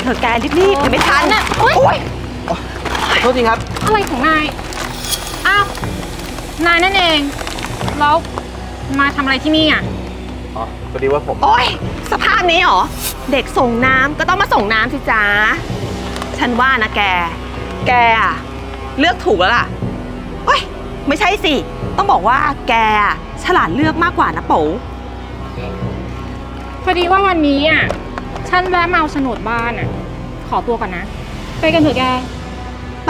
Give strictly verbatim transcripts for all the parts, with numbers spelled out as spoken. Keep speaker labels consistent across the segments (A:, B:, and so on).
A: เธอแกรีบๆเดี๋ยวไม่ทันนะโอ๊ย
B: โทษทีครับ
C: อะไรของนายอ้าว นายนั่นเอง แล้วมาทำอะไรที่นี่อ่ะ
B: อ๋อพอดีว่าผม
A: โอ๊ยสภาพนี้เหรอ เด็กส่งน้ำก็ต้องมาส่งน้ำสิจ๊ะฉันว่านะแก แกอะเลือกถูกแล้วล่ะโอ๊ยไม่ใช่สิ ต้องบอกว่าแกฉลาดเลือกมากกว่านะโป๋
C: พอดีว่าวันนี้อ่ะ ฉันแวะมาเอาโฉนดบ้านอ่ะ ขอตัวก่อนนะ ไปกันเถอะแก
A: ไป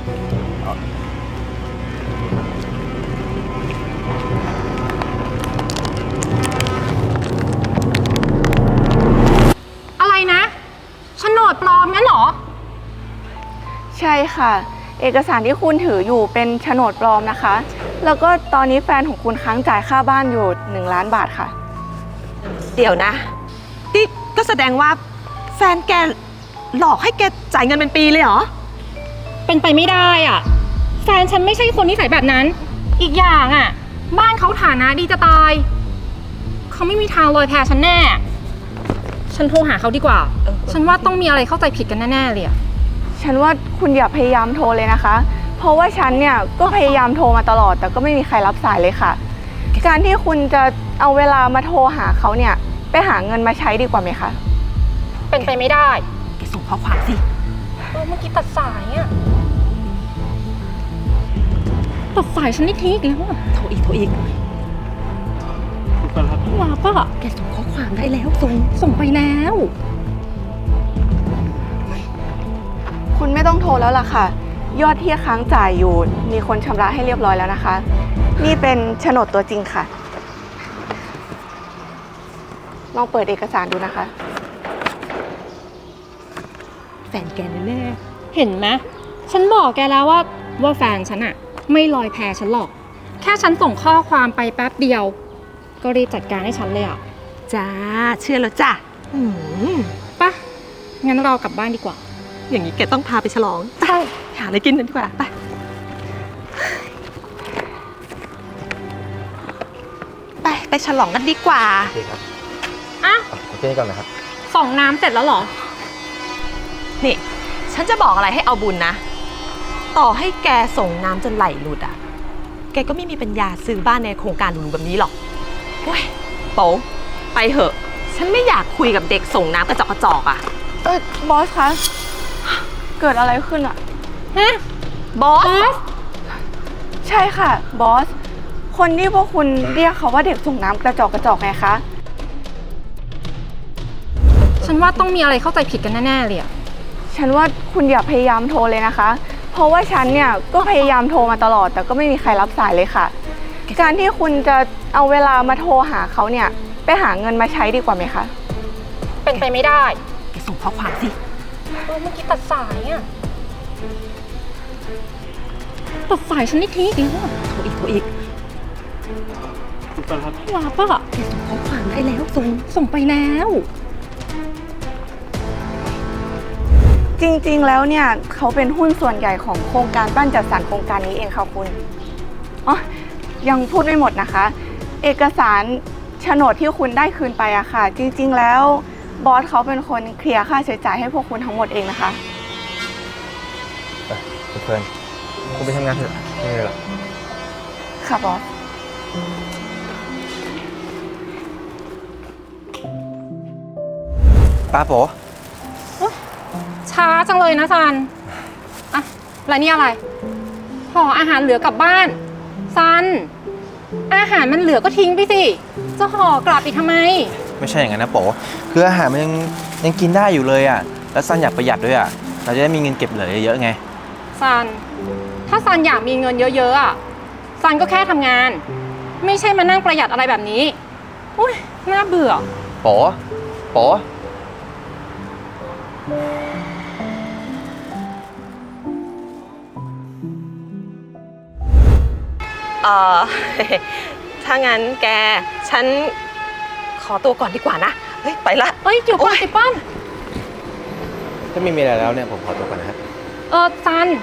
C: อะไรนะโฉนดปลอมงั้นเหรอ
D: ใช่ค่ะเอกสารที่คุณถืออยู่เป็นโฉนดปลอมนะคะแล้วก็ตอนนี้แฟนของคุณค้างจ่ายค่าบ้านอยู่หนึ่งล้านบาทค่ะ
A: เดี๋ยวนะนี่ก็แสดงว่าแฟนแกหลอกให้แกจ่ายเงินเป็นปีเลยเหรอ
C: เป็นไปไม่ได้อ่ะแฟนฉันไม่ใช่คนนิสัยแบบนั้นอีกอย่างอ่ะบ้านเขาฐานะดีจะตายเขาไม่มีทางลอยแพฉันแน่ฉันโทรหาเขาดีกว่าฉันว่าต้องมีอะไรเข้าใจผิดกันแน่ๆเลยอ่ะ
D: ฉันว่าคุณอย่าพยายามโทรเลยนะคะเพราะว่าฉันเนี่ยก็พยายามโทรมาตลอดแต่ก็ไม่มีใครรับสายเลยค่ะการที่คุณจะเอาเวลามาโทรหาเขาเนี่ยไปหาเงินมาใช้ดีกว่าไหมคะ
C: เป็นไปไม่ได้
A: แกส่งข้อความสิ
C: เออเมื่อกี้ตัดสายอ่ะตัดสายฉันนี่ทิ้งอีกแล้วอ่ะ
A: โทรอีกโทรอีก
C: ลาป่ะ
A: แกส่งข้อความได้แล้วส่ง
C: ส่งไปแล้ว
D: คุณไม่ต้องโทรแล้วล่ะค่ะยอดที่ค้างจ่ายอยู่มีคนชำระให้เรียบร้อยแล้วนะคะนี่เป็นโฉนดตัวจริงค่ะลองเปิดเอกสารดูนะคะ
A: แฟนแกแน่
C: เห็นไหมฉันบอกแกแล้วว่าว่าแฟนฉันอะไม่ลอยแพฉันหรอกแค่ฉันส่งข้อความไปแป๊บเดียวก็รีบจัดการให้ฉันเลยอะ
A: จ้าเชื่อแล้วจ้ะ
C: ปะงั้นเรากลับบ้านดีกว่า
A: อย่างนี้แกต้องพาไปฉลอง
C: ใช่
A: หาอะไรกินกันดีกว่าไปไปไปฉลองกันดีกว่า
B: โอเคครับ
C: อ่ะ
B: โอเคก่อนนะครับ
C: ส่องน้ำเสร็จแล้วเหรอ
A: นี่ฉันจะบอกอะไรให้เอาบุญนะต่อให้แกส่งน้ำจนไหลหลุดอ่ะแกก็ไม่มีปัญญาซื้อบ้านในโครงการหรูแบบนี้หรอกโอ้ยโป๋ไปเหอะฉันไม่อยากคุยกับเด็กส่งน้ำกระจอกกระจอกอ่ะ
D: เออบอสคะเกิดอะไรขึ้นอะ
C: ฮะ
A: บอส
D: ใช่ค่ะบอสคนที่พวกคุณเรียกเขาว่าเด็กส่งน้ำกระจอกกระจอกไงคะ
C: ฉันว่าต้องมีอะไรเข้าใจผิดกันแน่ๆเลยอะ
D: ฉันว่าคุณอย่าพยายามโทรเลยนะคะเพราะว่าฉันเนี่ยก็พยายามโทรมาตลอดแต่ก็ไม่มีใครรับสายเลยค่ะการที่คุณจะเอาเวลามาโทรหาเขาเนี่ยไปหาเงินมาใช้ดีกว่าไหมคะ
C: เป็นไปไม่ได้
A: แกส่งข้อความสิ
C: เออเมื่อกี้ตัดสายอ่ะตัดสายฉันนี่ทิ้งอีกแล้ว
A: โทรอีกโทรอีก
C: ลาป่ะ
A: แกส่งข้อความได้แล้วส่ง
C: ส่งไปแล้ว
D: จริงๆแล้วเนี่ยเขาเป็นหุ้นส่วนใหญ่ของโครงการบ้านจัดสรรโครงการนี้เองค่ะคุณอ๋อยังพูดไม่หมดนะคะเอกสารโฉนดที่คุณได้คืนไปอะค่ะจริงๆแล้วบอสเขาเป็นคนเคลียร์ค่าใช้จ่ายให้พวกคุณทั้งหมดเองนะคะ
B: คุณเฟิร์นคุณไปทำงานเถอะไม่เลยหรอ
D: ค่ะบอส
B: ป้าโป๋
C: ช้าจังเลยนะซันอะแล้วนี่อะไรห่ออาหารเหลือกลับบ้านซันอาหารมันเหลือก็ทิ้งไปสิจะห่อกลับอีกทำไม
B: ไม่ใช่อย่างนั้นนะโป๋คืออาหารมันยังยังกินได้อยู่เลยอ่ะแล้วซันอยากประหยัดด้วยอ่ะเราจะได้มีเงินเก็บเหลือเยอะๆไง
C: ซันถ้าซันอยากมีเงินเยอะๆอ่ะซันก็แค่ทำงานไม่ใช่มานั่งประหยัดอะไรแบบนี้อุ้ยน่าเบื่อ
B: โป๋โป๋
A: เออถ้างั้นแกฉันขอตัวก่อนดีกว่านะเฮ้ยไปละ
C: เอ้ยเดี๋ยวก่อนสิปั้น
B: ถ้าไม่มีอะไรแล้วเนี่ยผมขอตัวก่อนนะครับ
C: เออซัน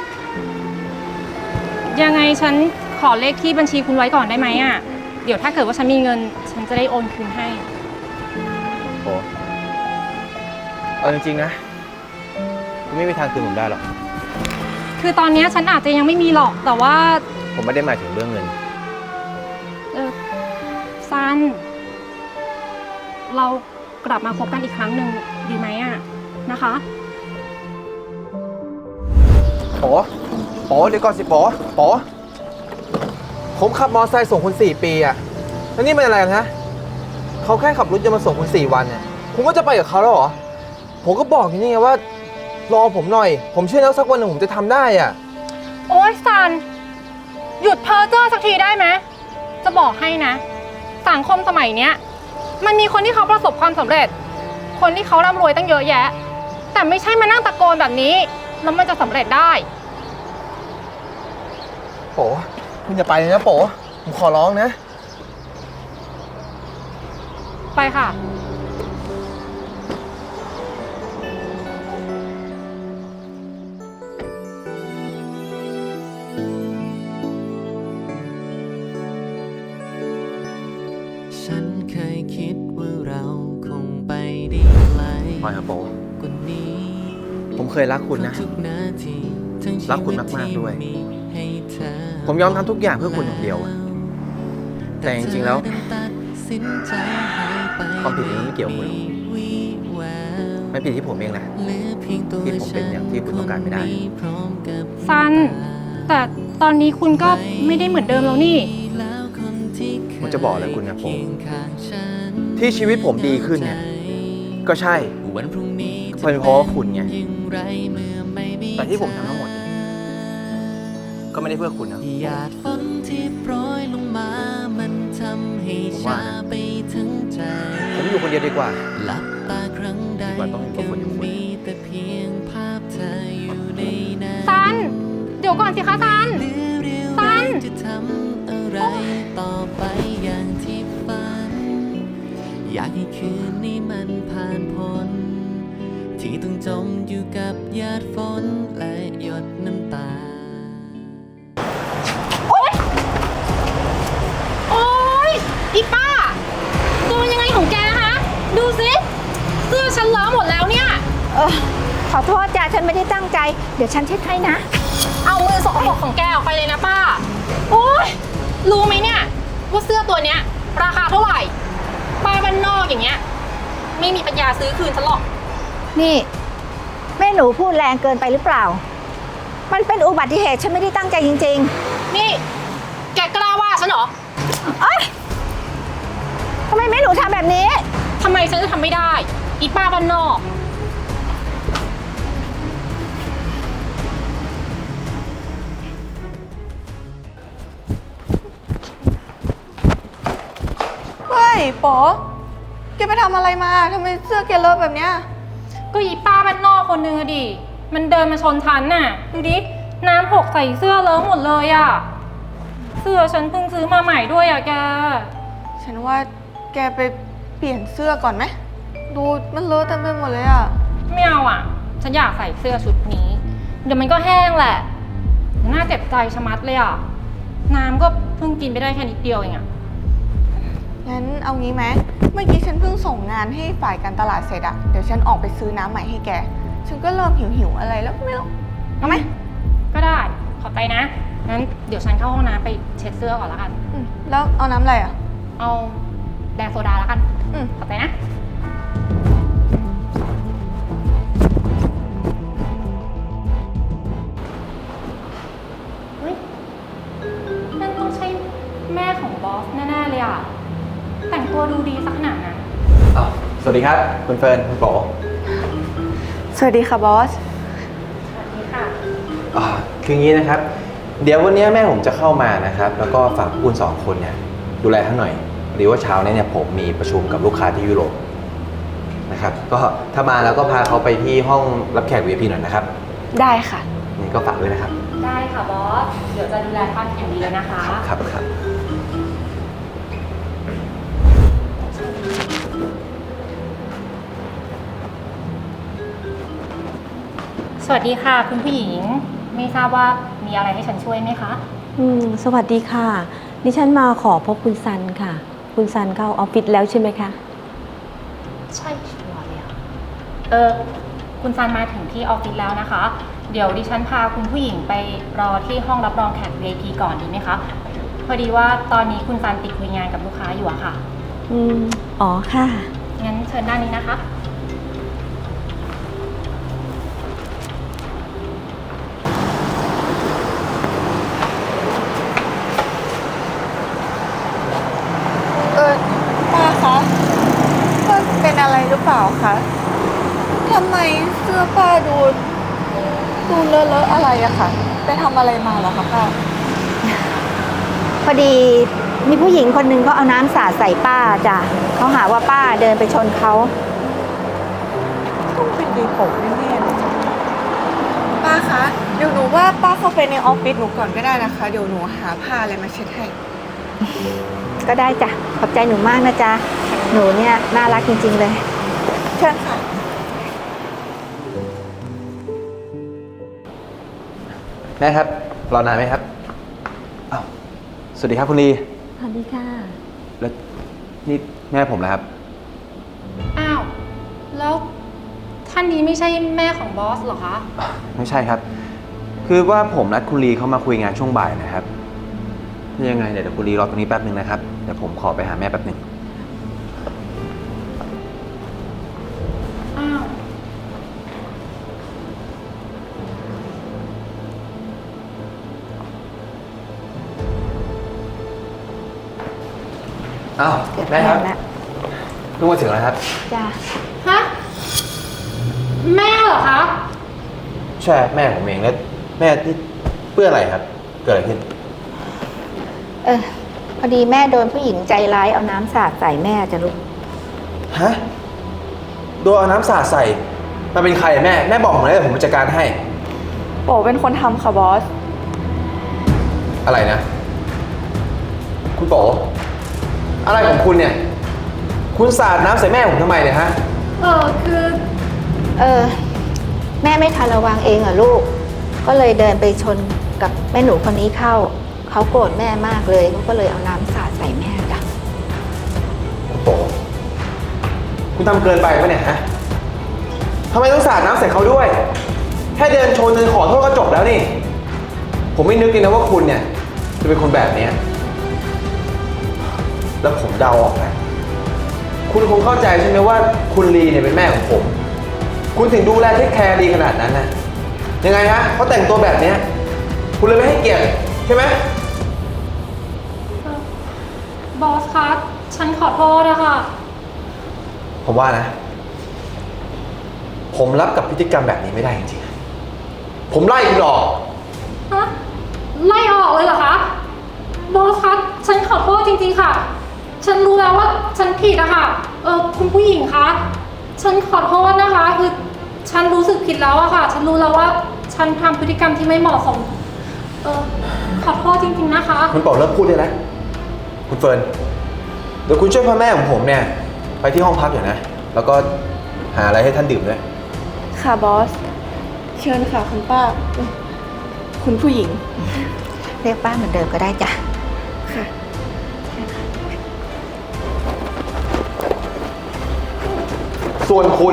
C: ยังไงฉันขอเลขที่บัญชีคุณไว้ก่อนได้ไหมอ่ะเดี๋ยวถ้าเกิดว่าฉันมีเงินฉันจะได้โอนคืนให้
B: โอ้เอาจริงๆนะคุณไม่มีทางคืนผมได้หรอก
C: คือตอนเนี้ยฉันอาจจะยังไม่มีหรอก แต่ว่า
B: ผมไม่ได้หมายถึงเรื่องเงิน
C: เออซัน เรากลับมาคบกันอีกครั้งหนึ่งดีไหมอะนะคะ
B: โป๋โป๋เดี๋ยวก่อนสิโป๋โป๋ผมขับมอเตอร์ไซค์ส่งคุณสี่ปีอะแล้วนี่มันอะไรกันฮะเขาแค่ขับรถจะมาส่งคุณสี่วันเนี่ยคุณก็จะไปกับเขาแล้วเหรอ ผมก็บอกอยู่นี่ไงว่ารอผมหน่อย ผมเชื่อแล้วสักวันหนึ่งผมจะทำได้อะ
C: โอ๊ยซัน หยุดเพ้อเจ้อสักทีได้ไหมจะบอกให้นะ สังคมสมัยเนี้ย มันมีคนที่เขาประสบความสำเร็จ คนที่เขาร่ำรวยตั้งเยอะแยะ แต่ไม่ใช่มานั่งตะโกนแบบนี้แล้วมันจะสำเร็จได้
B: โป๋คุณอย่าไปเลยนะโป๋ผมขอร้องนะ
C: ไปค่ะ
E: ฉันเคยคิดว่าเราคงไปได้ไกล
B: ปล่อยครับโป๋
E: กว่านี้
B: ผมเคยรักคุณนะ
E: ทุกนาทีทั้งชี
B: รักคุ
E: วิ
B: ณ
E: ต
B: มากๆ
E: ที่
B: ด้วย
E: มีให้เธอ
B: ผมยอมทำทุกอย่างเพื่อคุณอย่างเดียว แต่จริงๆแล้ว
E: ตัดสินใจหายไป
B: ความผิดนี้ไม่เกี่ยวกับคุณหรอก
E: วิแวว
B: ไม่ผิดที่ผมเองแหละ
E: เหลือเพียงตัว
B: ที่ผมเป็นอย่างที่คุณต้องการไม่ได้
E: ฉันคนนี้พร้อมกับ
C: ซัน แต่ตอนนี้คุณก็ไม่ได้เหมือนเดิมแล้วนี่
E: แล้วคนที่เคย
B: ผมจะบอกอะไรคุณนะโป๋
E: เคียงข้างฉัน
B: ที่ชีวิตผมดีขึ้นเนี่ย ก็ใช่
E: วันพรุ่งนี้
B: ก็เป็นเพราะว่าคุณไง
E: อย่างไรเมื่อไม่มี
B: แต่ที่ผมทำทั้งหมดเนี่ยก็ไม่ได้เพื่อคุณนะ
E: หยาดฝนที่โปรยลงมา มันทำให้
B: ผมว่า
E: ชา
B: นะ
E: ไปทั้งใจ
B: ผมอยู่คนเดียวดีกว่า
E: หลับตาครั้งใด
B: ดีกว่าต้องอยู่กับคนอย่างคุณ
E: มีแต่เพียงภาพเธออยู่ในนั้น
C: ซัน เดี๋ยวก่อนสิคะซัน
E: เหลือเรี่ยว
C: ซั
E: แร
C: น
E: งจะทำอะไรต่อไปอย่างที่ฝัน อยากให้คืนนี้มันผ่านพ้นที่ต้องจมอยู่กับหยาดฝนและหยดน้ำตา
C: โอ๊ยอีป้าตัวยังไงของแกฮะ ดูสิเสื้อฉันเลอะหมดแล้วเนี่ย
F: เออขอโทษจ้ะฉันไม่ได้ตั้งใจ เดี๋ยวฉันเช็ดให้นะ
C: เอามือสกปรกของแกออกไปเลยนะป้า โอ๊ย รู้ไหมเนี่ย ว่าเสื้อตัวเนี้ย ราคาเท่าไหร่ ป้าบ้านนอกอย่างเงี้ย ไม่มีปัญญาซื้อคืนฉันหรอก
F: นี่แม่หนูพูดแรงเกินไปหรือเปล่า มันเป็นอุบัติเหตุฉันไม่ได้ตั้งใจจริง
C: นี่ แกกล้าว่าฉันเหรอ
F: ๆ เอ้ยทำไมแม่หนูทำแบบนี้
C: ทำไมฉันจะทำไม่ได้ อีป้าบ้านนอก
D: เฮ้ยโป๋แกไปทำอะไรมาทำไมเสื้อแกเลอะแบบเนี้ย
C: ก็อีป้าบ้านนอกคนนึงอะดิ มันเดินมาชนฉันน่ะ ดูดิ น้ำหกใส่เสื้อเลอะหมดเลยอะเสื้อฉันเพิ่งซื้อมาใหม่ด้วยอะแก
D: ฉันว่าแกไปเปลี่ยนเสื้อก่อนไหม ดูมันเลอะเต็มไปหมดเลยอะ
C: ไม่เอาอะฉันอยากใส่เสื้อชุดนี้ เดี๋ยวมันก็แห้งแหละน่าเจ็บใจชะมัดเลยอะน้ำก็เพิ่งกินไปได้แค่นิดเดียวเองอะ
D: งั้นเอางี้ไหม เมื่อกี้ฉันเพิ่งส่งงานให้ฝ่ายการตลาดเสร็จอะเดี๋ยวฉันออกไปซื้อน้ำใหม่ให้แก ฉันก็เริ่มหิวหิวๆอะไรแล้วก็ไม่รู้ เอาไหม
C: ก็ได้ ขอบใจนะ งั้นเดี๋ยวฉันเข้าห้องน้ำไปเช็ดเสื้อก่อนละกัน
D: อืมแล้วเอาน้ำอะไรอะ
C: เอาแดงโซดาละกัน
D: อืม
C: ขอบใจนะ เฮ้ย นั่นต้องใช่แม่ของบอสแน่ๆเลยอ่ะ แต่งตัวดูดีสักขนาดนั้น
B: อ้าวสวัสดีครับ คุณเฟิร์น คุณโป๋
D: สวัสดีค่ะบอส
C: สวัสดีค่ะ
B: อ่าคืออย่างนี้นะครับ เดี๋ยววันนี้แม่ผมจะเข้ามานะครับ แล้วก็ฝากพวกคุณสองคนเนี่ยดูแลท่านหน่อยหรือว่าเช้านี้เนี่ยผมมีประชุมกับลูกค้าที่ยุโรปนะครับ ก็ถ้ามาแล้วก็พาเขาไปที่ห้องรับแขก วี ไอ พี หน่อยนะครับ
D: ได้ค่ะ
B: นี่ก็ฝากด้วยนะครับ
C: ได้ค่ะบอส เดี๋ยวจะดูแลท่านอย่างดีเลยนะคะ
B: ครับครับ
C: สวัสดีค่ะ คุณผู้หญิง ไม่ทราบว่ามีอะไรให้ฉันช่วยไหมคะ
G: อืมสวัสดีค่ะ ดิฉันมาขอพบคุณซันค่ะ คุณซันเข้าออฟฟิศแล้วใช่ไหมคะ
C: ใช่ชัวร์เลยอะเออคุณซันมาถึงที่ออฟฟิศแล้วนะคะ เดี๋ยวดิฉันพาคุณผู้หญิงไปรอที่ห้องรับรองแขก วี ไอ พี ก่อนดีไหมคะ พอดีว่าตอนนี้คุณซันติดคุยงานกับลูกค้าอยู่อะค่ะ
G: อืม อ๋อค่ะ
C: งั้นเชิญด้านนี้นะคะ
D: เออป้าคะป้าเป็นอะไรหรือเปล่าคะทำไมเสื้อป้าดูดูเลอะๆอะไรอะคะไปทำอะไรมาเหรอคะป้า
F: พอดีมีผู้หญิงคนหนึ่งเขาเอาน้ำสาดใส่ป้าจ้ะเขาหาว่าป้าเดินไปชนเขา
D: ต้องเป็นดีผมแน่ๆเลยป้าคะเดี๋ยวหนูว่าป้าเข้าไปในออฟฟิศหนูก่อนก็ได้นะคะ เดี๋ยวหนูหาผ้าอะไรมาเช็ดให้
F: ก็ได้จ้ะ ขอบใจหนูมากนะจ๊ะ หนูเนี่ยน่ารักจริงๆเลย
D: เชิญค่ะ
B: แม่ครับ รอนานไหมครับอ้าวสวัสดีครับคุณลี
G: สวัสดีค่ะ
B: แล้วนี่แม่ผมนะครับ
C: อ้าว แล้วท่านนี้ไม่ใช่แม่ของบอสเหรอคะ
B: ไม่ใช่ครับ คือว่าผมนัดคุณลีเข้ามาคุยงานช่วงบ่ายนะครับถ้ายังไงเดี๋ยวคุณลีรอตรงนี้แป๊บหนึ่งนะครับ เดี๋ยวผมขอไปหาแม่แป๊บหนึ่ง
C: อ้าว
B: อ้าว
F: เกือบ
B: แม่ครับ
F: แล้ว
B: เพิ่งมาถึงแล้วครับ
F: จ้ะ
C: ฮะ แม่เหรอคะ
B: ใช่แม่ผมเองแล้วแม่ที่เพื่ออะไรครับ เกิดอะไรขึ้น
F: เออ พอดีแม่โดนผู้หญิงใจร้ายเอาน้ำสาดใส่แม่จ้ะลูก
B: ฮะโดนเอาน้ำสาดใส่มันเป็นใครอะแม่แม่บอกผมเลยเดี๋ยวผมจัดการให้
D: โป๋เป็นคนทำค่ะบอส
B: อะไรนะ คุณโป๋อะไรของคุณเนี่ย คุณสาดน้ำใส่แม่ผมทำไมเนี่ยฮะ
C: เออคือ
F: เออ แม่ไม่ทันระวังเองเหรอลูก ก็เลยเดินไปชนกับแม่หนูคนนี้เข้า เขาโกรธแม่มากเลยเขาก็เลยเอาน้ำสาดใส่แม่จ้ะ
B: คุณโป๋คุณทำเกินไปปะเนี่ยฮะทำไมต้องสาดน้ำใส่เขาด้วย แค่เดินชนเดินขอโทษก็จบแล้วนี่ ผมไม่นึกเลยนะว่าคุณเนี่ยจะเป็นคนแบบเนี้ยแล้วผมเดาออกแล้วคุณคงเข้าใจใช่ไหมว่าคุณลีเนี่ยเป็นแม่ของผม คุณถึงดูแลเทคแคร์ดีขนาดนั้นนะยังไงฮะเขาแต่งตัวแบบเนี้ยคุณเลยไม่ให้เกียรติใช่ไหม
C: บอสคะ ฉันขอโทษอะค่ะ
B: ผมว่านะ ผมรับกับพฤติกรรมแบบนี้ไม่ได้จริงๆผมไล่คุณออก
C: ฮะ ไล่ออกเลยเหรอคะ บอสคะ ฉันขอโทษจริงๆค่ะ ฉันรู้แล้วว่าฉันผิดอะค่ะ เออคุณผู้หญิงคะ ฉันขอโทษนะคะ คือฉันรู้สึกผิดแล้วอะค่ะ ฉันรู้แล้วว่าฉันทำพฤติกรรมที่ไม่เหมาะสม เออขอโทษจริงๆนะคะ
B: คุณบอกเลิกพูดได้แล้วคุณเฟิร์นเดี๋ยวคุณช่วยพ่อแม่ของผมเนี่ย ไปที่ห้องพักอยู่นะ แล้วก็หาอะไรให้ท่านดื่มด้วย
D: ค่ะบอส เชิญค่ะคุณป้า คุณผู้หญิง
F: เรียกป้าเหมือนเดิมก็ได้จ้ะ
D: ค่ะ
B: ส่วนคุณ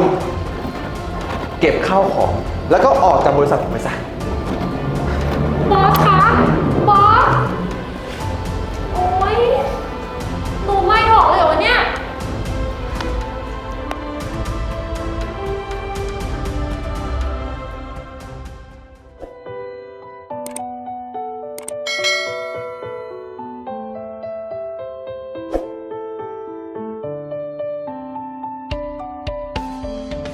B: เก็บข้าวของ แล้วก็ออกจากบริษัทผมไปซะ
C: บอสคะ